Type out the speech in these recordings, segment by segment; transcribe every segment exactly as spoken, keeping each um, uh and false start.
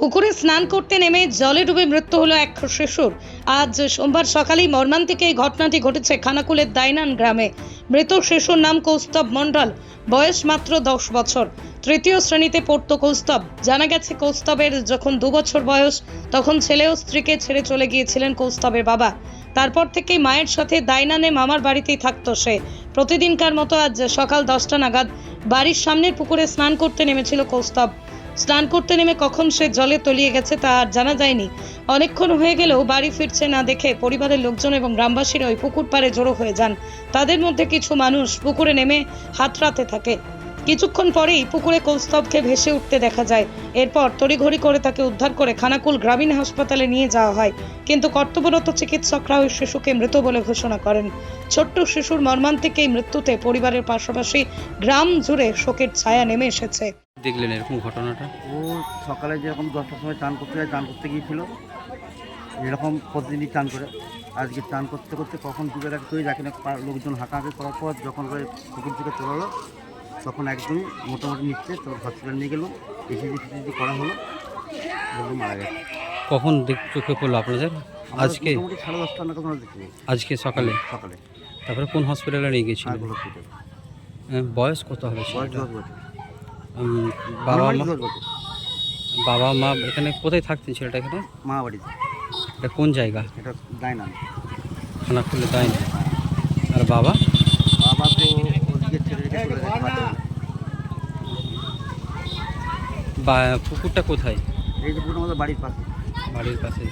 পুকুরে স্নান করতে নেমে জলে ডুবে মৃত্যু হলো এক শিশুর। আজ সোমবার সকালেই মর্মান্তিক এই ঘটনাটি ঘটেছে খানাকুলের দাইনান গ্রামে। মৃত শিশুর নাম কৌস্তব মণ্ডল, বয়স মাত্র দশ বছর। তৃতীয় শ্রেণীতে পড়তো কৌস্তব। জানা গেছে কৌস্তবের যখন দু বছর বয়স তখন ছেলে ও স্ত্রীকে ছেড়ে চলে গিয়েছিলেন কৌস্তবের বাবা। তারপর থেকেই মায়ের সাথে দাইনানে মামার বাড়িতেই থাকতো সে। প্রতিদিনকার মতো আজ সকাল দশটা নাগাদ বাড়ির সামনের পুকুরে স্নান করতে নেমেছিল কৌস্তব। স্নান করতে নেমে কখন সে জলে তলিয়ে গেছে তা আর জানা যায়নি। অনেকক্ষণ হয়ে গেলেও বাড়ি ফিরছে না দেখে পরিবারের লোকজন এবং গ্রামবাসীরা ওই পুকুর পাড়ে জড়ো হয়ে যান। তাদের মধ্যে কিছু মানুষ পুকুরে নেমে হাতড়াতে থাকে। কিছুক্ষণ পরেই পুকুরে কৌস্তবকে ভেসে উঠতে দেখা যায়। এরপর তড়িঘড়ি করে তাকে উদ্ধার করে খানাকুল গ্রামীণ হাসপাতালে নিয়ে যাওয়া হয়, কিন্তু কর্তব্যরত চিকিৎসকরা ওই শিশুকে মৃত বলে ঘোষণা করেন। ছোট্ট শিশুর মর্মান্তিক এই মৃত্যুতে পরিবারের পাশাপাশি গ্রাম জুড়ে শোকের ছায়া নেমে এসেছে। দেখলেন এরকম ঘটনাটা? ও সকালে যেরকম দশটার সময় চান করতে যায় চান করতে গিয়েছিল, এরকম প্রতিদিনই চান করে। আজকে চান করতে করতে কখন ডুবে গেছে তুই যাকে না লোকজন হাঁকাহাঁকি করার পর যখন করে পুকুর থেকে তোলালো তখন একদমই মোটামুটি নিচ্ছে, তোর হসপিটাল নিয়ে গেল, এসিজি ফিসিজি করা হলো, বললো মারা গেছে। কখন দেখ চোখে পড়লো আপনাদের? আজকে মোটামুটি সাড়ে দশটা না কখন দেখছি আজকে সকালে সকালে তারপরে কোন হসপিটালে নিয়ে গেছিলেন? আগুলো হসপিটাল। বয়স কত হবে বয়স ছেলেটার? দশ বছর। উম, বাবা মা দশ বছর বাবা মা এখানে কোথায় থাকতেন ছেলেটা? এখানে মা বাড়িতে। এটা কোন জায়গা? এটা দেয় না, খানাকুলে তাই না? আর বাবা? বাবা তো ওদিকে ছেড়ে রেখে চলে গেছে বাড়িতে। বা পুকুরটা কোথায়? এই যে পুরো আমাদের বাড়ির পাশে। বাড়ির পাশে।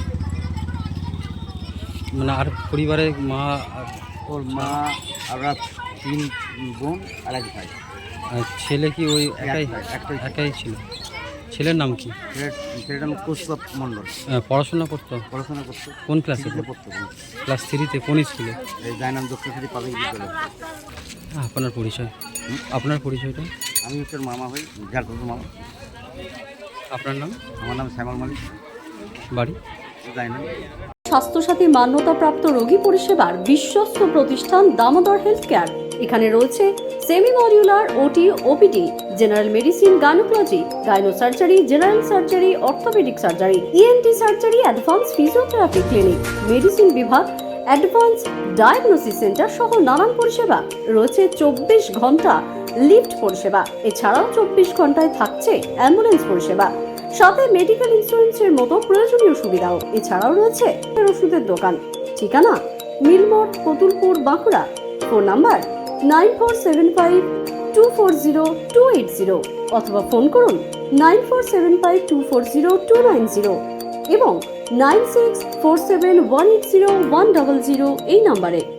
মানে আর পরিবারে মা আর- ওর মা আমরা তিন বোন আর এক ভাই। আর ছেলে কি ওই একাই একটাই ছিল। একাই ছিল? ছেলের নাম কি? ছেলে- ছেলেটার নাম কৌস্তব মণ্ডল। আহ, পড়াশোনা করতো? পড়াশোনা করতো, কোন ক্লাসে? থ্রিতে পড়তো। ক্লাস থ্রিতে? কোন স্কুলে? এই জায়নাম দক্ষিণী পাবলিক বিদ্যালয়। আপনার পরিচয়? আপনার পরিচয়টা? আমি হচ্ছে ওর মামা হই, ঝাড়খণ্ড মামা। আপনার নাম? আমার নাম শ্যামল মালিক, বাড়ি? জায়নাম। স্বাস্থ্যসাথী মান্যতাপ্রাপ্ত রোগী পরিষেবার বিশ্বস্ত প্রতিষ্ঠান দামোদর হেলথ কেয়ার। এখানে রয়েছে semi modular OT, OPD, general medicine, gynaecology, gynae surgery, general surgery, orthopaedic surgery, ENT surgery, advance physiotherapy clinic, medicine বিভাগ, অ্যাডভান্স ডায়াগনোসিস সেন্টার সহ নানান পরিষেবা রয়েছে। চব্বিশ ঘন্টা লিফট পরিষেবা, এছাড়াও চব্বিশ ঘন্টায় থাকছে অ্যাম্বুলেন্স পরিষেবা, সাথে মেডিকেল ইন্স্যুরেন্সের মতো প্রয়োজনীয় সুবিধাও। এছাড়াও রয়েছে ওষুধের দোকান। ঠিকানা Milmor, Kotulpur, Bankura. Phone number nine four seven five two four zero two eight zero অথবা ফোন করুন nine four seven five two four zero two nine zero এবং nine six four seven one eight zero one double zero এই নাম্বারে।